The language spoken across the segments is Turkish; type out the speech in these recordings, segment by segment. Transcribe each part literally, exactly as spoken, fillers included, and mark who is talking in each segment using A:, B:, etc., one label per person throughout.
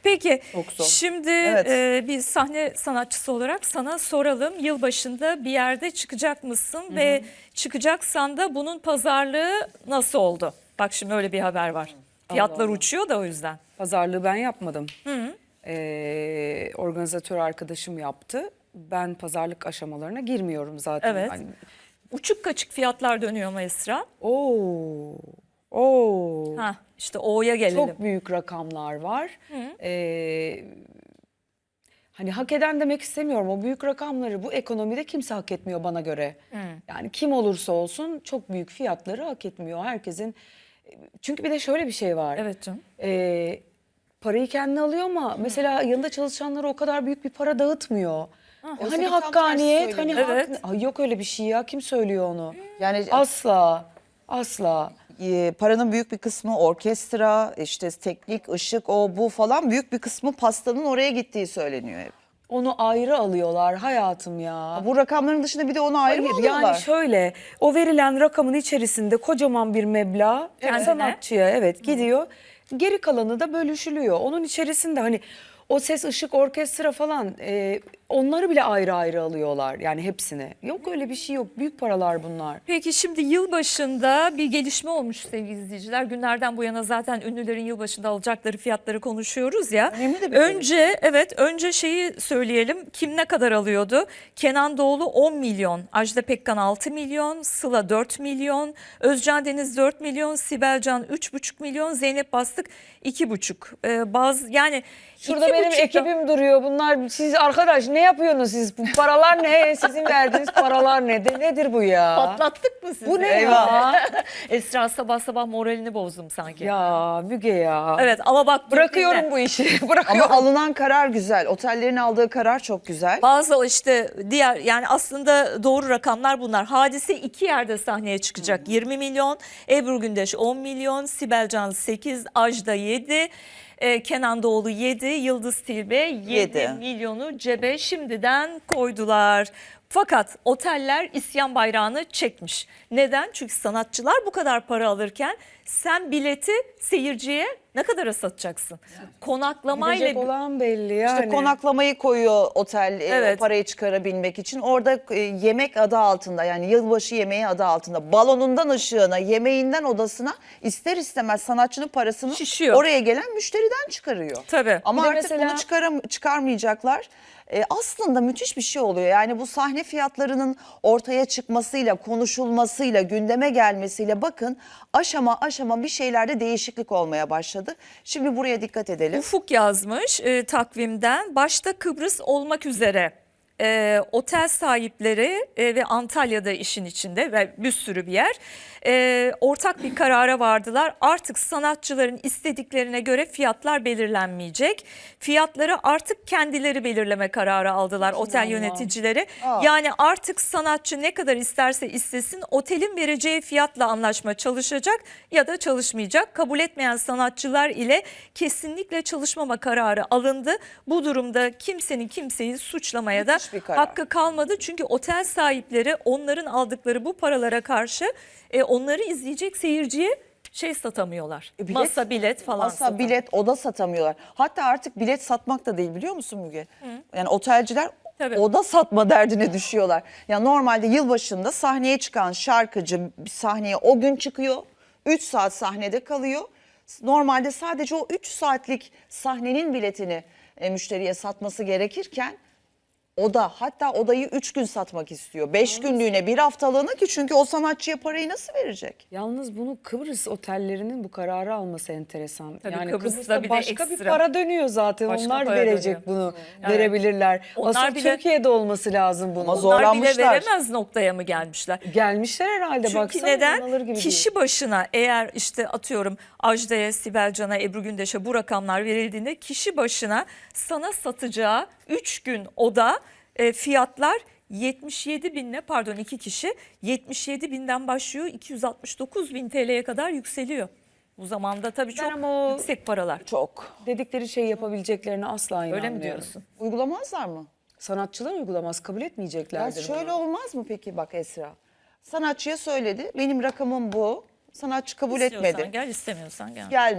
A: Peki
B: Çok zor.
A: şimdi
C: Evet.
A: e, bir sahne sanatçısı olarak sana soralım. Yılbaşında bir yerde çıkacak mısın? Hı hı. Ve çıkacaksan da bunun pazarlığı nasıl oldu? Bak şimdi öyle bir haber var. Fiyatlar
B: Allah.
A: uçuyor da o yüzden.
B: Pazarlığı ben yapmadım.
A: Hı hı.
B: Ee, organizatör arkadaşım yaptı. Ben pazarlık aşamalarına girmiyorum zaten.
A: Evet.
B: Hani,
A: Uçuk kaçık fiyatlar dönüyor mu Esra?
B: oo, oo.
A: Ha, işte O'ya gelelim.
B: Çok büyük rakamlar var. Ee, hani hak eden demek istemiyorum. O büyük rakamları bu ekonomide kimse hak etmiyor bana göre. Yani kim olursa olsun çok büyük fiyatları hak etmiyor. Herkesin. Çünkü bir de şöyle bir şey var.
A: Evet canım.
B: Ee, parayı kendine alıyor ama mesela yanında çalışanlara o kadar büyük bir para dağıtmıyor.
C: Oysa
B: Hani
C: ki tam
B: hakkaniyet,
C: tersi
B: hani
C: söyleniyor.
B: hak...
A: Evet.
B: Ay yok öyle bir şey ya. Kim söylüyor onu?
C: Yani
B: Asla, asla.
C: e, paranın büyük bir kısmı orkestra, işte teknik, ışık, o bu falan, büyük bir kısmı pastanın oraya gittiği söyleniyor hep.
B: Onu ayrı alıyorlar hayatım ya.
C: Bu rakamların dışında bir de onu ayrı mı
B: Hayır
C: alıyorlar?
B: yani şöyle, o verilen rakamın içerisinde kocaman bir meblağ
A: Kendine.
B: sanatçıya evet gidiyor. Geri kalanı da bölüşülüyor. Onun içerisinde hani o ses, ışık, orkestra falan e, onları bile ayrı ayrı alıyorlar. Yani hepsini. Yok öyle bir şey yok. Büyük paralar bunlar.
A: Peki şimdi yılbaşında bir gelişme olmuş sevgili izleyiciler. Günlerden bu yana zaten ünlülerin yılbaşında alacakları fiyatları konuşuyoruz ya.
C: Önemli de bir
A: Önce evet önce şeyi söyleyelim. Kim ne kadar alıyordu? Kenan Doğulu on milyon, Ajda Pekkan altı milyon, Sıla dört milyon, Özcan Deniz dört milyon, Sibel Can üç buçuk milyon, Zeynep Bastık iki buçuk. Ee, bazı yani
B: Şurada
A: iki
B: benim
A: buçukta-
B: ekibim duruyor. Bunlar siz arkadaş ne yapıyorsunuz siz? Bu paralar ne? Sizin verdiğiniz paralar ne? De, nedir bu ya?
A: Patlattık mı sizi?
B: Bu ne ya?
A: Esra sabah sabah moralini bozdum sanki.
B: Ya Müge ya.
A: Evet ama bak
B: Bırakıyorum
A: dinle.
B: bu işi.
C: Ama
B: Bırakıyorum.
C: alınan karar güzel. Otellerin aldığı karar çok güzel.
A: Bazı işte diğer yani aslında doğru rakamlar bunlar. Hadise iki yerde sahneye çıkacak. yirmi milyon, Ebru Gündeş on milyon, Sibel Can sekiz, Ajda yedi, e, Kenan Doğulu yedi, Yıldız Tilbe yedi
C: Yedi.
A: milyonu cebe şimdiden koydular. Fakat oteller isyan bayrağını çekmiş. Neden? Çünkü sanatçılar bu kadar para alırken sen bileti seyirciye ne kadara satacaksın? Konaklamayla
B: Gidecek olan belli yani.
C: İşte konaklamayı koyuyor otel e,
A: Evet.
C: o parayı çıkarabilmek için. Orada e, yemek adı altında, yani yılbaşı yemeği adı altında, balonundan ışığına, yemeğinden odasına ister istemez sanatçının parasını
A: Şişiyor.
C: oraya gelen müşteriden çıkarıyor.
A: Tabii.
C: Ama
B: Bir de
C: artık
B: mesela-
C: bunu çıkaram çıkarmayacaklar. E, aslında müthiş bir şey oluyor. Yani bu sahne fiyatlarının ortaya çıkmasıyla, konuşulmasıyla, gündeme gelmesiyle bakın aşama aşama bir şeylerde değişiklik olmaya başladı. Şimdi buraya dikkat edelim.
A: Ufuk yazmış e, takvimden başta Kıbrıs olmak üzere e, otel sahipleri e, ve Antalya'da işin içinde ve bir sürü bir yer e, ortak bir karara vardılar. Artık sanatçıların istediklerine göre fiyatlar belirlenmeyecek. Fiyatları artık kendileri belirleme kararı aldılar otel
B: Allah.
A: yöneticileri.
C: Aa.
A: Yani artık sanatçı ne kadar isterse istesin otelin vereceği fiyatla anlaşma çalışacak ya da çalışmayacak. Kabul etmeyen sanatçılar ile kesinlikle çalışmama kararı alındı. Bu durumda kimsenin kimseyi suçlamaya da
C: Müthiş bir karar.
A: hakkı kalmadı. Çünkü otel sahipleri onların aldıkları bu paralara karşı e, onları izleyecek seyirciye şey satamıyorlar.
C: E, bilet-
A: Masa bilet falan
C: Masa,
A: satamıyorlar.
C: bilet, oda satamıyorlar. Hatta artık bilet satmak da değil, biliyor musun Müge? Yani otelciler
A: Tabii.
C: oda satma derdine düşüyorlar. Ya normalde yılbaşında sahneye çıkan şarkıcı bir sahneye o gün çıkıyor. üç saat sahnede kalıyor. Normalde sadece o üç saatlik sahnenin biletini e, müşteriye satması gerekirken oda, hatta odayı üç gün satmak istiyor. beş günlüğüne, bir haftalığına, ki çünkü o sanatçıya parayı nasıl verecek?
B: Yalnız bunu Kıbrıs otellerinin bu kararı alması enteresan.
A: Tabii
B: yani
A: Kıbrıs'ta
B: Kıbrıs'ta
A: bir de
B: başka bir
A: ekstra.
B: para dönüyor zaten.
A: Başka
B: Onlar
A: para
B: verecek
A: dönüyor.
B: bunu,
A: Evet.
B: verebiler.
A: Onlar
B: Asıl
A: bile-
B: Türkiye'de olması lazım bunun.
C: Ama
A: Onlar bile
C: zorlanmışlar.
A: veremez noktaya mı gelmişler?
B: Gelmişler herhalde,
A: Çünkü
B: baksana. inanılır
A: neden?
B: gibi
A: Kişi başına eğer işte atıyorum Ajda'ya, Sibel Can'a, Ebru Gündeş'e bu rakamlar verildiğinde kişi başına sana satacağı üç gün oda e, fiyatlar yetmiş yedi binle pardon iki kişi yetmiş yedi binden başlıyor iki yüz altmış dokuz bin T L'ye kadar yükseliyor. Bu zamanda tabii çok
B: ama o-
A: yüksek paralar.
C: Çok.
B: Dedikleri şeyi yapabileceklerine asla inanmıyorum.
A: Öyle mi diyorsun?
C: Uygulamazlar mı?
B: Sanatçılar uygulamaz, kabul
C: Ya
B: etmeyeceklerdir.
C: şöyle
B: bunu.
C: olmaz mı peki, bak Esra? Sanatçıya söyledi, benim rakamım bu. Sanatçı kabul
A: İstiyorsan
C: etmedi.
A: gel, istemiyorsan gel.
C: Gelme.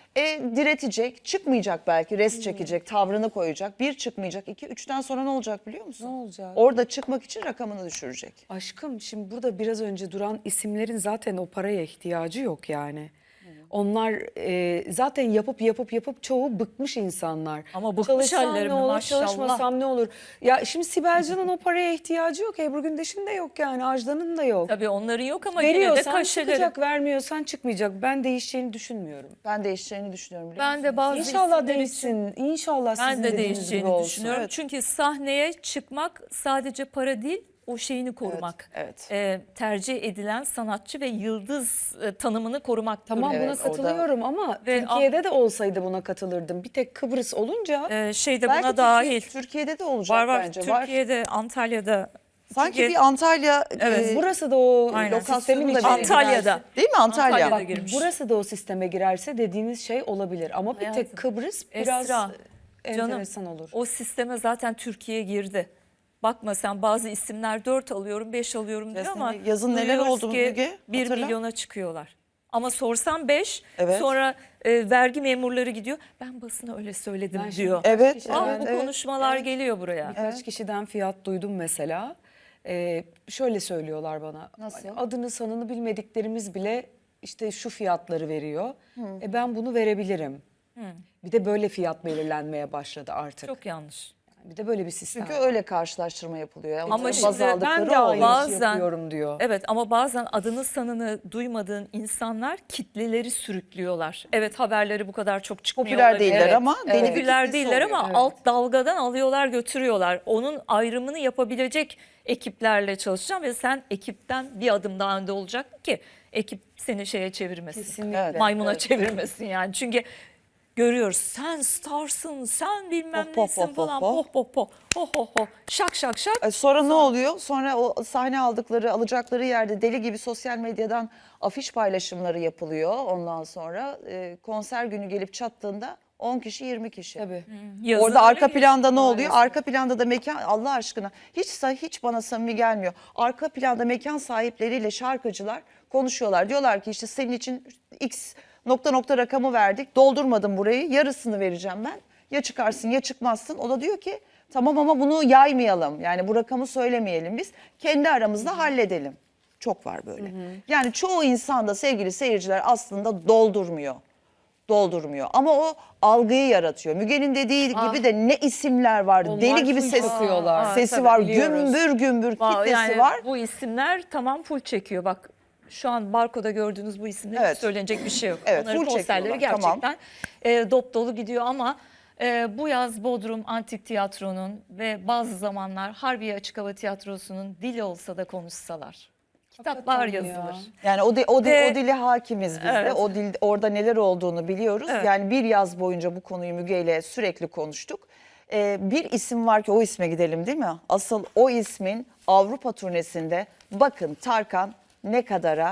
C: E, diretecek, çıkmayacak belki, res çekecek, tavrını koyacak. Bir çıkmayacak, iki, üçten sonra ne olacak biliyor musun?
B: Ne olacak?
C: Orada çıkmak için rakamını düşürecek.
B: Aşkım şimdi burada biraz önce duran isimlerin zaten o paraya ihtiyacı yok yani. Onlar e, zaten yapıp yapıp yapıp çoğu bıkmış insanlar.
A: Ama bıkmış
B: Çalışsam
A: halleri
B: ne
A: mi?
B: olur,
A: Maşallah.
B: çalışmasam ne olur? Ya şimdi Sibel Can'ın o paraya ihtiyacı yok. Ebru Gündeş'in de yok yani. Ajda'nın da yok.
A: Tabii onların yok ama yine de
B: Veriyorsan
A: kaşeleri.
B: çıkacak, vermiyorsan çıkmayacak. Ben değişeceğini düşünmüyorum.
C: Ben değişeceğini düşünüyorum biliyor
A: Ben
C: musun?
A: de bazı
B: İnşallah
A: isimler için-
B: değişsin. İnşallah
A: Ben
B: sizin
A: de
B: dediğiniz gibi
A: değişeceğini
B: olsun.
A: düşünüyorum.
C: Evet.
A: Çünkü sahneye çıkmak sadece para değil, o şeyini korumak.
C: evet.
A: Ee, tercih edilen sanatçı ve yıldız e, tanımını korumak.
B: Tamam
C: Evet,
B: buna
C: orada-
B: katılıyorum ama
A: Ve-
B: Türkiye'de de olsaydı buna katılırdım. Bir tek Kıbrıs olunca
A: Ee, şey de
C: Belki
A: buna
C: Türkiye-
A: dahil.
C: Türkiye'de de olacak
A: Var var.
C: bence. Var.
A: Türkiye'de, Antalya'da.
C: Sanki
A: Türkiye-
C: bir Antalya
A: Evet.
C: e,
B: burası da o
A: Aynen.
B: sistemin
C: lokasyonu da
B: içine
A: Antalya'da.
B: girerse-
C: değil mi Antalya?
A: Antalya'da
B: Bak,
A: girmiş.
B: burası da o sisteme girerse dediğiniz şey olabilir. Ama bir
A: Hayatım,
B: tek Kıbrıs biraz
A: Esra,
B: enteresan olur.
A: O sisteme zaten Türkiye girdi. Bakma sen, bazı isimler dört alıyorum, beş alıyorum diyor
C: Yazın-
A: ama
C: yazın neler
A: duyuyoruz
C: oldu
A: ki
C: Müge?
A: bir
C: Hatırla.
A: milyona çıkıyorlar. Ama sorsam beş,
C: Evet.
A: sonra e, vergi memurları gidiyor. Ben basına öyle söyledim
B: Ben şimdi-
A: diyor.
C: Evet,
B: Kişi-
A: Aa,
C: evet,
A: bu
C: evet.
A: konuşmalar geliyor buraya.
B: Birkaç kişiden fiyat duydum mesela. Ee, şöyle söylüyorlar bana.
C: Nasıl?
B: Hani adını sanını bilmediklerimiz bile işte şu fiyatları veriyor. E ben bunu verebilirim. Bir de böyle fiyat belirlenmeye başladı artık.
A: Çok yanlış.
B: Bir de böyle bir sistem.
C: Çünkü öyle karşılaştırma yapılıyor. Yani
A: Ama
C: baz
A: şimdi
C: aldıkları
B: ben de
C: o.
B: aynı
A: Bazen-
B: işi yapıyorum diyor.
A: Evet, ama bazen adını sanını duymadığın insanlar kitleleri sürüklüyorlar. Evet, haberleri bu kadar çok çıkmıyor
C: Popüler
A: olabilir.
C: değiller
A: Evet,
C: ama deli bir
A: popüler
C: kitlesi
A: değiller
C: oluyor.
A: ama
B: Evet.
A: alt dalgadan alıyorlar götürüyorlar. Onun ayrımını yapabilecek ekiplerle çalışacağım ve sen ekipten bir adım daha önde olacak ki ekip seni şeye çevirmesin.
B: Kesinlikle.
C: Evet.
A: Maymuna
B: Evet.
A: çevirmesin yani. Çünkü görüyoruz, sen starsın, sen bilmem
C: Hop, hop,
A: nesin
C: hop,
A: falan,
C: hop,
A: hop hop hop hop hop hop, şak şak şak.
C: E, Sonra ne oluyor? Sonra o sahne aldıkları, alacakları yerde deli gibi sosyal medyadan afiş paylaşımları yapılıyor. Ondan sonra e, konser günü gelip çattığında on kişi, yirmi kişi.
B: Tabii.
A: Yazın
C: Orada arka
A: öyle
C: planda ne oluyor?
B: maalesef.
C: Arka planda da mekan, Allah aşkına hiç hiç bana samimi gelmiyor. Arka planda mekan sahipleriyle şarkıcılar konuşuyorlar. Diyorlar ki işte senin için X nokta nokta rakamı verdik. Doldurmadım burayı. Yarısını vereceğim ben. Ya çıkarsın ya çıkmazsın. O da diyor ki tamam ama bunu yaymayalım. Yani bu rakamı söylemeyelim biz. Kendi aramızda halledelim. Çok var böyle. Yani çoğu insan da sevgili seyirciler aslında doldurmuyor. Doldurmuyor. Ama o algıyı yaratıyor. Müge'nin dediği gibi de ne isimler var.
B: Onlar
C: Deli gibi
B: full
C: ses,
B: çakıyorlar.
A: Aa,
C: sesi
A: tabii,
C: var.
B: biliyoruz.
C: Gümbür gümbür
A: Aa,
C: kitlesi
A: yani
C: var.
A: Bu isimler tamam full çekiyor. Bak şu an barkoda gördüğünüz bu isimler
C: Evet.
A: hiç söylenecek bir şey yok.
C: Evet,
A: Onların
C: full
A: konserleri
C: çekiyorlar, tamam.
A: gerçekten e, dop dolu gidiyor ama e, bu yaz Bodrum Antik Tiyatro'nun ve bazı zamanlar Harbiye Açık Hava Tiyatrosu'nun dili olsa da konuşsalar. Kitaplar
B: Hakikaten ya.
A: yazılır.
C: Yani o, di- o, di-
A: Ve-
C: o dile hakimiz biz de.
A: Evet.
C: O dil, orada neler olduğunu biliyoruz.
A: Evet.
C: Yani bir yaz boyunca bu konuyu Müge ile sürekli konuştuk. Ee, bir isim var ki o isme gidelim değil mi? Asıl o ismin Avrupa turnesinde bakın Tarkan ne kadara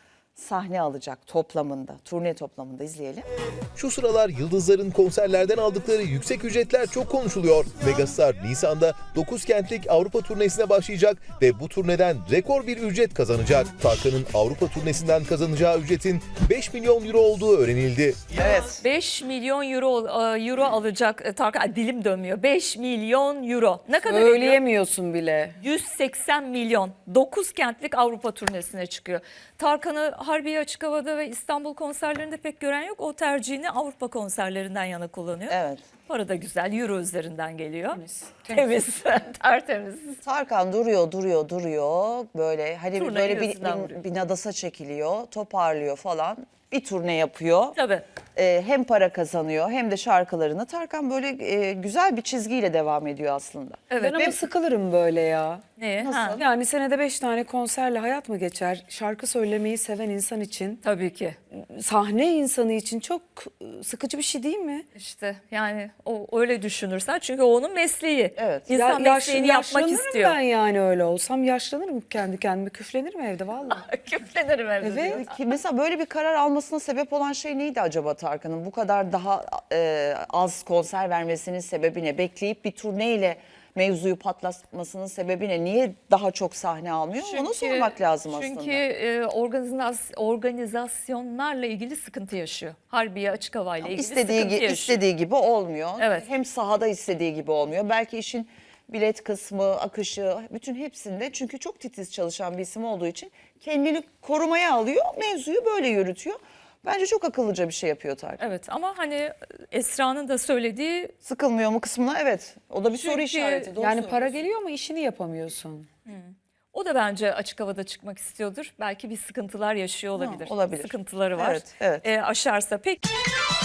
C: sahne alacak toplamında, turne toplamında izleyelim.
D: Şu sıralar yıldızların konserlerden aldıkları yüksek ücretler çok konuşuluyor. Megastar Nisan'da dokuz kentlik Avrupa turnesine başlayacak ve bu turneden rekor bir ücret kazanacak. Tarkan'ın Avrupa turnesinden kazanacağı ücretin beş milyon euro olduğu öğrenildi.
C: Evet.
A: beş milyon euro e, euro alacak e, Tarkan. Ay, dilim dönmüyor. beş milyon euro. Ne kadar ediyor?
B: Söyleyemiyorsun bile.
A: yüz seksen milyon. dokuz kentlik Avrupa turnesine çıkıyor. Tarkan'ı Harbiye Açık Hava'da ve İstanbul konserlerinde pek gören yok. O tercihini Avrupa konserlerinden yana kullanıyor.
C: Evet.
A: Para da güzel. Euro üzerinden geliyor.
B: Temiz.
A: Temiz. Tertemiz.
C: Tarkan duruyor, duruyor, duruyor. Böyle hani
A: Turnayı
C: böyle bir,
A: gözünden
C: bir,
A: vuruyor.
C: bir nadasa çekiliyor, toparlıyor falan. Bir turne yapıyor.
A: Tabii.
C: Ee, hem para kazanıyor hem de şarkılarını. Tarkan böyle e, güzel bir çizgiyle devam ediyor aslında.
A: Evet.
B: Ben ama sıkılırım böyle ya.
A: Ne?
C: Nasıl?
A: Ha,
B: Yani senede beş tane konserle hayat mı geçer? Şarkı söylemeyi seven insan için,
A: tabii ki.
B: sahne insanı için çok sıkıcı bir şey değil mi?
A: İşte yani o öyle düşünürsen çünkü o onun mesleği.
C: Evet.
A: İnsan
B: Ya- yaş-
A: mesleğini yapmak
B: yaşlanırım
A: istiyor.
B: ben yani öyle olsam. Yaşlanırım kendi kendime. Küflenirim evde vallahi.
A: Küflenirim evde.
B: Evet.
A: diyor.
C: Ki mesela böyle bir karar almasına sebep olan şey neydi acaba Tarkan'ın? Bu kadar daha e, az konser vermesinin sebebi ne? Bekleyip bir turneyle mevzuyu patlatmasının sebebi ne? Niye daha çok sahne almıyor? Onu sormak lazım
A: çünkü,
C: aslında.
A: Çünkü e, organizas, organizasyonlarla ilgili sıkıntı yaşıyor. Harbiye açık havayla ilgili
C: İstediği,
A: sıkıntı
C: gi-
A: yaşıyor.
C: istediği gibi olmuyor.
A: Evet.
C: Hem sahada istediği gibi olmuyor. Belki işin bilet kısmı, akışı, bütün hepsinde, çünkü çok titiz çalışan bir isim olduğu için kendini korumaya alıyor. Mevzuyu böyle yürütüyor. Bence çok akıllıca bir şey yapıyor Tarkan.
A: Evet, ama hani Esra'nın da söylediği,
C: Sıkılmıyor mu kısmına? Evet. O da bir soru
A: Çünkü
C: işareti. Doğru
B: Yani para
C: söylüyorsun.
B: geliyor ama işini yapamıyorsun.
A: o da bence açık havada çıkmak istiyordur. Belki bir sıkıntılar yaşıyor olabilir.
C: olabilir.
A: Sıkıntıları var.
C: Evet, evet.
A: E, aşarsa pek.